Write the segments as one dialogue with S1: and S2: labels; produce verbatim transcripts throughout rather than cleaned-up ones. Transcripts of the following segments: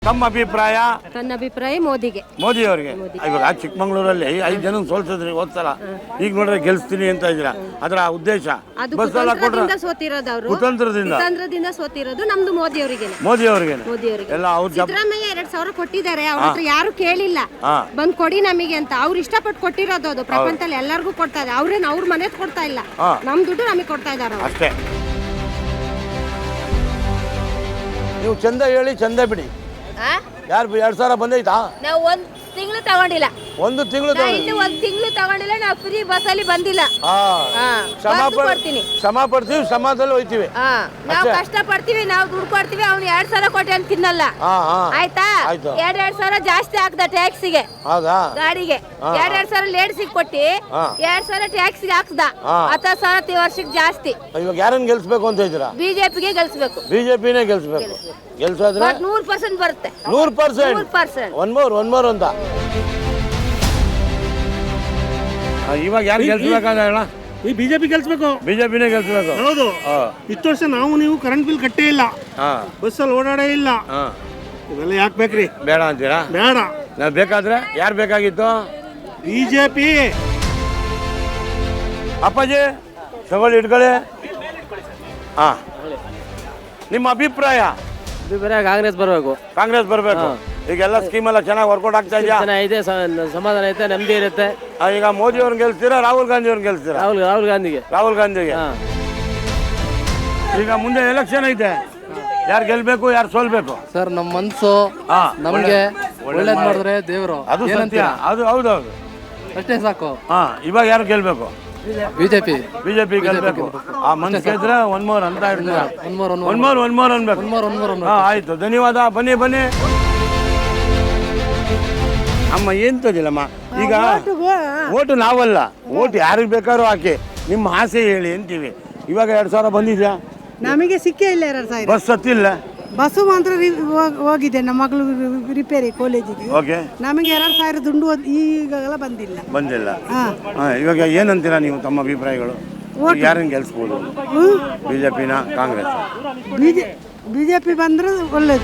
S1: ತಮ್ಮ ಅಭಿಪ್ರಾಯ?
S2: ನನ್ನ ಅಭಿಪ್ರಾಯ ಮೋದಿಗೆ.
S1: ಮೋದಿ ಅವರಿಗೆ. ಇವಾಗ ಚಿಕ್ಕಮಂಗ್ಳೂರಲ್ಲಿ ಐದು ಜನ ಸೋಲ್ಸಿದ್ರಿ ಹೋದ್ಸಲ, ಈಗ ನೋಡ್ರೆ ಗೆಲ್ಸ್ತೀನಿ ಅಂತ ಇದ್ದೀರಾ, ಅದರ ಉದ್ದೇಶ ಬಸ್ ಎಲ್ಲ ಕೊಟ್ರೆ
S2: ಸೋತಿರೋದು ಅವರು,
S1: ಕುತಂತ್ರದಿಂದ
S2: ಕುತಂತ್ರದಿಂದ ಸೋತಿರೋದು ನಮ್ದು ಮೋದಿ ಅವರಿಗೆ.
S1: ಮೋದಿ ಅವರಿಗೆ
S2: ಮೋದಿ ಅವರಿಗೆ
S1: ಎಲ್ಲ ಅವ್ರ
S2: ಸಿದ್ದರಾಮಯ್ಯ ಎರಡ್ ಸಾವಿರ ಕೊಟ್ಟಿದ್ದಾರೆ, ಅವ್ರ ಹತ್ರ ಯಾರು ಕೇಳಿಲ್ಲ ಬಂದ್ ಕೊಡಿ ನಮಗೆ ಅಂತ. ಅವ್ರು ಇಷ್ಟಪಟ್ಟು ಕೊಟ್ಟಿರೋದು, ಅದು ಪ್ರಪಂಚದಲ್ಲಿ ಎಲ್ಲರಿಗೂ ಕೊಡ್ತಾ ಇದೆ. ಅವ್ರೇನು ಅವ್ರ ಮನೆಗ್ ಕೊಡ್ತಾ ಇಲ್ಲ, ನಮ್ ದುಡ್ಡು ನಮಗೆ ಕೊಡ್ತಾ ಇದಾರೆ
S1: ಅಷ್ಟೇ. ನೀವು ಚಂದ ಹೇಳಿ ಚಂದ ಬಿಡಿ. ಯಾರು ಎರಡ್ ಸಾವಿರ ಬಂದೈತಾ?
S2: ನಾವು ಒಂದ್ ತಿಂಗಳು ತಗೊಂಡಿಲ್ಲ,
S1: ಒಂದು ತಿಂಗಳು
S2: ಇನ್ನು ಒಂದ್ ತಿಂಗಳು ತಗೊಂಡಿಲ್ಲ. ನಾವು ಫ್ರೀ ಬಸ್ ಅಲ್ಲಿ ಬಂದಿಲ್ಲ.
S1: ಶ್ರಮ ಪಡ್ತೀವಿ, ಶ್ರಮದಲ್ಲಿ ಹೋಯ್ತಿವಿ.
S2: ನಾವು ಕಷ್ಟ ಪಡ್ತೀವಿ, ನಾವು ದುಡ್ಡು ಕೊಡ್ತೀವಿ. ಅವ್ನು ಎರಡ್ ಸಾವಿರ ಕೊಟ್ಟೆ ಅಂತ ತಿನ್ನಲ್ಲ, ಆಯ್ತಾ? ಎರಡ್ ಎರಡ್ ಸಾವಿರ ಜಾಸ್ತಿ ಹಾಕ್ದ ಟ್ಯಾಕ್ಸಿಗೆ, ಗಾಡಿಗೆ ಎರಡ್ ಎರಡ್ ಸಾವಿರ ಲೇಡ್ಸಿಗೆ ಕೊಟ್ಟಿ ಎರಡ್ ಸಾವಿರ ಟ್ಯಾಕ್ಸಿಗೆ ಹಾಕ್ದ. ಹತ್ತು ಸಾವಿರ ವರ್ಷಕ್ಕೆ ಜಾಸ್ತಿ.
S1: ಇವಾಗ ಯಾರನ್ನ ಗೆಲ್ಸ್ಬೇಕು ಅಂತ ಇದ್ದೀರಾ?
S2: ಬಿಜೆಪಿಗೆ ಗೆಲ್ಸ್ಬೇಕು.
S1: ಬಿಜೆಪಿನೇ ಗೆಲ್ಸ್ಬೇಕು. ಗೆಲ್ಸೋದ್ರೆ
S2: ನೂರ್ ಪರ್ಸೆಂಟ್ ಬರುತ್ತೆ.
S1: ನೂರ್ percent
S2: percent
S1: one more one more ಅಂತ. ಇವಾಗ ಯಾರು ಗೆಲ್ಸ್ಬೇಕಾದ್ರೆ ಹೇಳ?
S3: ಈ ಬಿಜೆಪಿ ಗೆಲ್ಸ್ಬೇಕು,
S1: ಬಿಜೆಪಿನೇ ಗೆಲ್ಸ್ಬೇಕು.
S3: ಹೌದು. ಇಷ್ಟು ವರ್ಷ ನಾವು ನೀವು ಕರೆಂಟ್ ಬಿಲ್ ಕಟ್ಟೇ ಇಲ್ಲ, ಬಸ್ಸಲ್ಲಿ ಓಡಾಡೇ ಇಲ್ಲ, ಇವೆಲ್ಲ ಯಾಕೆ ಬೇಕ್ರಿ?
S1: ಬೇಡ ಅಂತೀರಾ?
S3: ಬೇಡ.
S1: ನಾವು ಬೇಕಾದ್ರೆ ಯಾರು ಬೇಕಾಗಿತ್ತು?
S3: ಬಿಜೆಪಿ.
S1: ಅಪ್ಪಾಜಿ ತಗೊಳ್ಳಿ, ಇಟ್ಕೊಳ್ಳಿ. ಹಾ, ನಿಮ್ಮ ಅಭಿಪ್ರಾಯ?
S4: ಅಭಿಪ್ರಾಯ ಕಾಂಗ್ರೆಸ್ ಬರಬೇಕು.
S1: ಕಾಂಗ್ರೆಸ್ ಬರಬೇಕು. ಈಗೆಲ್ಲ ಸ್ಕೀಮ್ ಎಲ್ಲ ಚೆನ್ನಾಗಿ ವರ್ಕೌಟ್ ಆಗ್ತಾ ಇದೆಯಾ?
S4: ಇದೆ, ಸಮಾಧಾನ ಐತೆ, ನೆಮ್ಮದಿ ಇರುತ್ತೆ.
S1: ಈಗ ಮೋದಿ ಅವ್ರನ್ನ ಗೆಲ್ತೀರಾ, ರಾಹುಲ್ ಗಾಂಧಿ ಅವ್ರನ್ನ ಗೆಲ್ತೀರಾ?
S4: ರಾಹುಲ್ ರಾಹುಲ್ ಗಾಂಧಿಗೆ.
S1: ರಾಹುಲ್ ಗಾಂಧಿಗೆ. ಈಗ ಮುಂದೆ ಎಲೆಕ್ಷನ್ ಐತೆ, ಯಾರು ಗೆಲ್ಬೇಕು, ಯಾರು ಸೋಲ್ಬೇಕು?
S5: ಸರ್, ನಮ್ಮ ಮನ್ಸು ನಮ್ಗೆ ಒಳ್ಳೇದ್ ಮಾಡಿದ್ರೆ ದೇವರು,
S1: ಅದು ಸತ್ಯ. ಅದು ಹೌದೌದು,
S5: ಅಷ್ಟೇ ಸಾಕು.
S1: ಹಾ, ಇವಾಗ ಯಾರು ಗೆಲ್ಬೇಕು?
S5: ಬಿಜೆಪಿ.
S1: ಬಿಜೆಪಿ ಗೆಲ್ಬೇಕು. ಆ ಮನ್ಸು ಗೆದ್ರೆ ಒನ್ ಮೋರ್ ಅಂತ ಇರ್ತೀರ.
S5: One more
S1: one more one more ಅನ್ಬೇಕು.
S5: One more one more.
S1: ಹಾ, ಆಯ್ತು, ಧನ್ಯವಾದ. ಬನ್ನಿ ಬನ್ನಿ ಅಮ್ಮ. ಎಂತದಿಲ್ಲಮ್ಮ, ಈಗ ಓಟು ನಾವಲ್ಲ, ಓಟು ಯಾರಿಗೆ ಬೇಕಾದ್ರೂ ಹಾಕಿ, ನಿಮ್ಮ ಆಸೆ ಹೇಳಿ ಅಂತೀವಿ. ಇವಾಗ ಎರಡ್ ಸಾವಿರ ಬಂದಿದ್ಯಾ?
S6: ನಮಗೆ ಸಿಕ್ಕೇ ಇಲ್ಲ ಎರಡ್ ಸಾವಿರ.
S1: ಬಸ್ ಹತ್ತಿಲ್ಲ.
S6: ಬಸ್ಸು ಮಾತ್ರ ಹೋಗಿದೆ, ನಮ್ಮ ಮಗಳು ರಿಪೇರಿ ಕಾಲೇಜಿಗೆ.
S1: ಓಕೆ.
S6: ನಮಗೆ ಎರಡ್ ಸಾವಿರ ದುಂಡು ಈಗಾಗಲ ಬಂದಿಲ್ಲ.
S1: ಬಂದಿಲ್ಲ. ಇವಾಗ ಏನಂತೀರಾ ನೀವು, ತಮ್ಮ ಅಭಿಪ್ರಾಯಗಳು? ಯಾರನ್ನ ಗೆಲ್ಸ್ಬೋದು? ಬಿಜೆಪಿನ, ಕಾಂಗ್ರೆಸ್?
S6: ಬಿಜೆಪಿ ಬಂದ್ರೆ ಒಳ್ಳೇದು.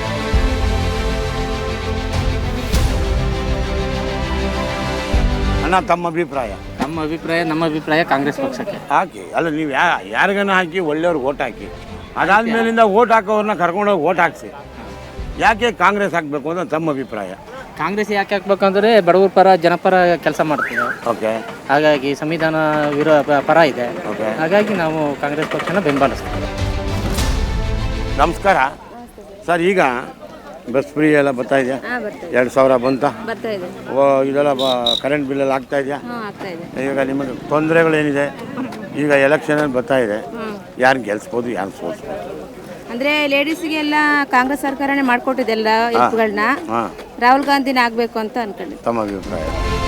S1: ಅಣ್ಣ, ತಮ್ಮ ಅಭಿಪ್ರಾಯ?
S4: ನಮ್ಮ ಅಭಿಪ್ರಾಯ ನಮ್ಮ ಅಭಿಪ್ರಾಯ ಕಾಂಗ್ರೆಸ್ ಪಕ್ಷಕ್ಕೆ
S1: ಹಾಕಿ. ಅಲ್ಲ, ನೀವು ಯಾ ಯಾರಿಗನ್ನ ಹಾಕಿ, ಒಳ್ಳೆಯವ್ರಿಗೆ ಓಟ್ ಹಾಕಿ. ಅದಾದ್ಮೇಲಿಂದ ಓಟ್ ಹಾಕೋವ್ರನ್ನ ಕರ್ಕೊಂಡೋಗಿ ಓಟ್ ಹಾಕ್ಸಿ. ಯಾಕೆ ಕಾಂಗ್ರೆಸ್ ಹಾಕ್ಬೇಕು ಅಂತ ತಮ್ಮ ಅಭಿಪ್ರಾಯ?
S4: ಕಾಂಗ್ರೆಸ್ ಯಾಕೆ ಹಾಕ್ಬೇಕಂದ್ರೆ ಬಡವರ ಪರ, ಜನಪರ ಕೆಲಸ ಮಾಡ್ತೀವಿ.
S1: ಓಕೆ.
S4: ಹಾಗಾಗಿ ಸಂವಿಧಾನ ವಿರೋ ಪರ ಇದೆ.
S1: ಓಕೆ.
S4: ಹಾಗಾಗಿ ನಾವು ಕಾಂಗ್ರೆಸ್ ಪಕ್ಷನ ಬೆಂಬಲಿಸ್ತೀವಿ.
S1: ನಮಸ್ಕಾರ ಸರ್. ಈಗ ಬಸ್ ಫ್ರೀ ಎಲ್ಲ ಬರ್ತಾ ಇದೆಯಾ? ಎರಡು ಸಾವಿರ ಬಂತ? ಓ, ಇದೆಲ್ಲ ಕರೆಂಟ್ ಬಿಲ್ ಎಲ್ಲ ಆಗ್ತಾ ಇದೆಯಾ? ಈಗ ನಿಮಗೆ ತೊಂದರೆಗಳೇನಿದೆ? ಈಗ ಎಲೆಕ್ಷನ್ ಬರ್ತಾ ಇದೆ, ಯಾರು ಗೆಲ್ಸ್ಬೋದು, ಯಾರು ಸೋಲ್ಸ್ಬೋದು?
S2: ಅಂದ್ರೆ ಲೇಡೀಸ್ಗೆಲ್ಲ ಕಾಂಗ್ರೆಸ್ ಸರ್ಕಾರನೇ ಮಾಡ್ಕೊಟ್ಟಿದೆ ಎಲ್ಲ ಹೆಲ್ಪ್ಗಳನ್ನ. ರಾಹುಲ್ ಗಾಂಧಿನ ಆಗ್ಬೇಕು ಅಂತ ಅನ್ಕೊಂಡೆ.
S1: ತಮ್ಮ ಅಭಿಪ್ರಾಯ?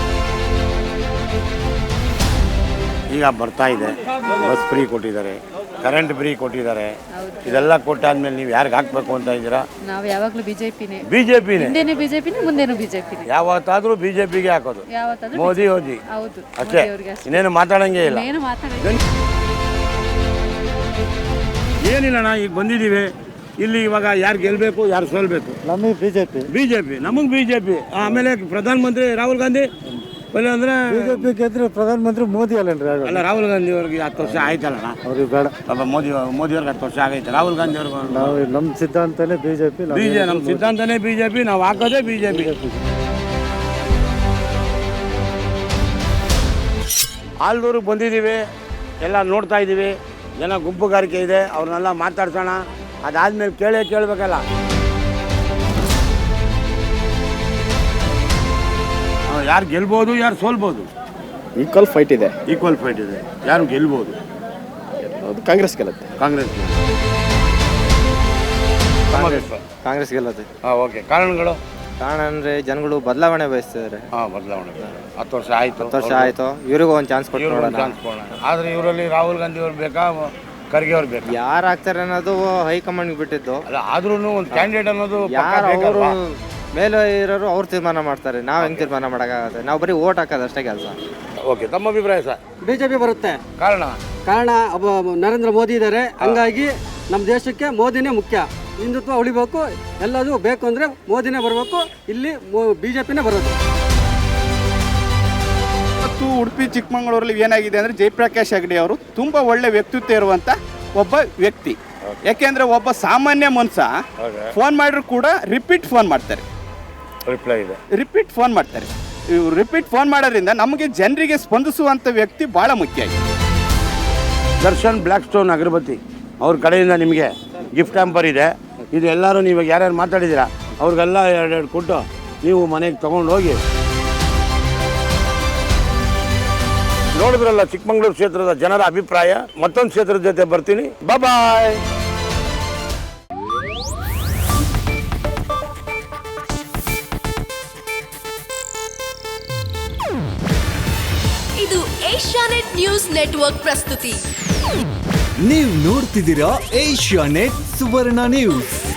S1: ಈಗ ಬರ್ತಾ ಇದೆ, ಬಸ್ ಫ್ರೀ ಕೊಟ್ಟಿದ್ದಾರೆ, ಕರೆಂಟ್ ಫ್ರೀ ಕೊಟ್ಟಿದ್ದಾರೆ. ಇದೆಲ್ಲ ಕೊಟ್ಟಾದ್ಮೇಲೆ ನೀವು ಯಾರಿಗೆ ಹಾಕ್ಬೇಕು ಅಂತ ಇದ್ದೀರಾ?
S7: ನಾವು ಯಾವಾಗಲೂ ಬಿಜೆಪಿನೇ.
S1: ಬಿಜೆಪಿನೇ?
S7: ಹಿಂದೆನೂ ಬಿಜೆಪಿನೇ, ಮುಂದೆನೂ ಬಿಜೆಪಿನೇ.
S1: ಯಾವತ್ತಾದ್ರೂ ಬಿಜೆಪಿಗೆ ಹಾಕೋದು?
S7: ಯಾವತ್ತಾದ್ರೂ
S1: ಮೋದಿ ಹೋಗಿ.
S7: ಹೌದು,
S1: ಅಷ್ಟೇ, ಇನ್ನೇನು ಮಾತಾಡಂಗೆ ಇಲ್ಲ.
S7: ಏನು ಮಾತಾಡೋದು
S1: ಏನಿಲ್ಲಣ್ಣ. ಈಗ ಬಂದಿದ್ದೀವಿ ಇಲ್ಲಿ, ಇವಾಗ ಯಾರು ಗೆಲ್ಬೇಕು, ಯಾರು ಸೋಲ್ಬೇಕು?
S3: ನಮಗೆ ಬಿಜೆಪಿ.
S1: ಬಿಜೆಪಿ, ನಮಗೆ ಬಿಜೆಪಿ. ಆಮೇಲೆ ಪ್ರಧಾನ ಮಂತ್ರಿ ರಾಹುಲ್ ಗಾಂಧಿ ಅಂದ್ರೆ
S3: ಬಿಜೆಪಿ ಗೆದ್ರೆ ಪ್ರಧಾನ ಮಂತ್ರಿ ಮೋದಿ ಅಲ್ಲೇನ್ರಿ?
S1: ಅಲ್ಲ, ರಾಹುಲ್ ಗಾಂಧಿ ಅವ್ರಿಗೆ ಹತ್ತು ವರ್ಷ ಆಯ್ತಲ್ಲ.
S3: ಅವ್ರಿಗೆ ಬೇಡ.
S1: ಪಾಪ ಮೋದಿ ಮೋದಿ ಅವ್ರಿಗೆ ಹತ್ತು ವರ್ಷ ಆಗೈತೆ. ರಾಹುಲ್ ಗಾಂಧಿ ಅವ್ರಿಗೆ
S3: ನಾವು ನಮ್ಮ ಸಿದ್ಧಾಂತನೇ ಬಿಜೆಪಿ.
S1: ಬಿಜೆ ನಮ್ಮ ಸಿದ್ಧಾಂತನೇ ಬಿಜೆಪಿ, ನಾವು ಹಾಕೋದೇ ಬಿಜೆಪಿ. ಆಲ್ದೂರಿಗೆ ಬಂದಿದ್ದೀವಿ, ಎಲ್ಲ ನೋಡ್ತಾ ಇದ್ದೀವಿ. ಜನ ಗುಂಪುಗಾರಿಕೆ ಇದೆ, ಅವ್ರನ್ನೆಲ್ಲ ಮಾತಾಡ್ಸೋಣ. ಅದಾದ್ಮೇಲೆ ಕೇಳೇ ಕೇಳಬೇಕಲ್ಲ. ಯಾರು ಗೆಲ್ಬೋದು, ಯಾರು ಸೋಲ್ಬೋದು?
S8: ಈಕ್ವಲ್ ಫೈಟ್ ಇದೆ.
S1: ಈಕ್ವಲ್ ಫೈಟ್ ಇದೆ. ಯಾರು ಗೆಲ್ಬೋದು?
S8: ಕಾಂಗ್ರೆಸ್ ಗೆಲ್ಲುತ್ತೆ.
S1: ಕಾಂಗ್ರೆಸ್
S8: ಕಾಂಗ್ರೆಸ್ ಗೆಲ್ಲುತ್ತೆ.
S1: ಹಾಂ, ಓಕೆ. ಕಾರಣಗಳು?
S8: ಕಾರಣ ಅಂದರೆ ಜನಗಳು ಬದಲಾವಣೆ ಬಯಸ್ತಿದ್ದಾರೆ.
S1: ಹಾಂ, ಬದಲಾವಣೆ. ಹತ್ತು ವರ್ಷ ಆಯಿತು,
S8: ಹತ್ತು ವರ್ಷ ಆಯಿತು, ಇವ್ರಿಗೂ ಒಂದು ಚಾನ್ಸ್ ಕೊಟ್ಟು ನೋಡೋಣ.
S1: ಚಾನ್ಸ್ ಕೊಡೋಣ. ಆದರೆ ಇವರಲ್ಲಿ ರಾಹುಲ್ ಗಾಂಧಿ ಅವ್ರು ಬೇಕಾ, ಖರ್ಗೆ ಅವ್ರು ಬೇಕಾ?
S8: ಯಾರು ಆಗ್ತಾರೆ ಅನ್ನೋದು ಹೈಕಮಾಂಡ್ಗೆ ಬಿಟ್ಟಿದ್ದು.
S1: ಅಲ್ಲ, ಆದ್ರೂ ಒಂದು ಕ್ಯಾಂಡಿಡೇಟ್ ಅನ್ನೋದು
S8: ಯಾರು ಅವರು ಮೇಲೆ ಇರೋರು ಅವ್ರು ತೀರ್ಮಾನ ಮಾಡ್ತಾರೆ. ನಾವು ಹೆಂಗೆ ತೀರ್ಮಾನ ಮಾಡೋಕ್ಕಾಗುತ್ತೆ? ನಾವು ಬರೀ ಓಟ್ ಹಾಕೋದು ಅಷ್ಟೇ ಕೆಲಸ.
S1: ಓಕೆ. ತಮ್ಮ ಅಭಿಪ್ರಾಯ ಸರ್?
S9: ಬಿಜೆಪಿ ಬರುತ್ತೆ.
S1: ಕಾರಣ?
S9: ಕಾರಣ ನರೇಂದ್ರ ಮೋದಿ ಇದ್ದಾರೆ, ಹಂಗಾಗಿ ನಮ್ಮ ದೇಶಕ್ಕೆ ಮೋದಿನೇ ಮುಖ್ಯ.
S3: ಹಿಂದುತ್ವ ಉಳಿಬೇಕು, ಎಲ್ಲದೂ ಬೇಕು ಅಂದರೆ ಮೋದಿನೇ ಬರಬೇಕು, ಇಲ್ಲಿ ಬಿ ಜೆ ಪಿನೇ ಬರೋದು.
S9: ಇವತ್ತು ಉಡುಪಿ ಚಿಕ್ಕಮಗಳೂರಲ್ಲಿ ಏನಾಗಿದೆ ಅಂದರೆ ಜಯಪ್ರಕಾಶ್ ಹೆಗಡೆ ಅವರು ತುಂಬ ಒಳ್ಳೆ ವ್ಯಕ್ತಿತ್ವ ಇರುವಂಥ ಒಬ್ಬ ವ್ಯಕ್ತಿ. ಯಾಕೆಂದರೆ ಒಬ್ಬ ಸಾಮಾನ್ಯ ಮನುಷ್ಯ ಫೋನ್ ಮಾಡಿದ್ರು ಕೂಡ ರಿಪೀಟ್ ಫೋನ್ ಮಾಡ್ತಾರೆ,
S1: ರಿಪ್ಲೈ ಇದೆ,
S9: ರಿಪೀಟ್ ಫೋನ್ ಮಾಡ್ತಾರೆ. ಇವ್ರು ರಿಪೀಟ್ ಫೋನ್ ಮಾಡೋದ್ರಿಂದ ನಮಗೆ ಜನರಿಗೆ ಸ್ಪಂದಿಸುವಂಥ ವ್ಯಕ್ತಿ ಭಾಳ ಮುಖ್ಯ ಆಗಿದೆ.
S1: ದರ್ಶನ್ ಬ್ಲ್ಯಾಕ್ ಸ್ಟೋನ್ ಅಗರಬತ್ತಿ ಅವ್ರ ಕಡೆಯಿಂದ ನಿಮಗೆ ಗಿಫ್ಟ್ ಹ್ಯಾಂಪರ್ ಇದೆ. ಇದು ಎಲ್ಲರೂ ನೀವು ಯಾರ್ಯಾರು ಮಾತಾಡಿದ್ದೀರಾ ಅವ್ರಿಗೆಲ್ಲ ಎರಡೆರಡು ಕೊಟ್ಟು ನೀವು ಮನೆಗೆ ತೊಗೊಂಡು ಹೋಗಿ. ನೋಡಿದ್ರಲ್ಲ ಚಿಕ್ಕಮಗಳೂರು ಕ್ಷೇತ್ರದ ಜನರ ಅಭಿಪ್ರಾಯ. ಮತ್ತೊಂದು ಕ್ಷೇತ್ರದ ಜೊತೆ ಬರ್ತೀನಿ. ಬಾಯ್.
S10: ಇದು ಏಷ್ಯಾನೆಟ್ ನ್ಯೂಸ್ ನೆಟ್ವರ್ಕ್ ಪ್ರಸ್ತುತಿ.
S11: ನೀವು ನೋಡ್ತಿದ್ದೀರಾ ಏಷ್ಯಾನೆಟ್ ಸುವರ್ಣ ನ್ಯೂಸ್.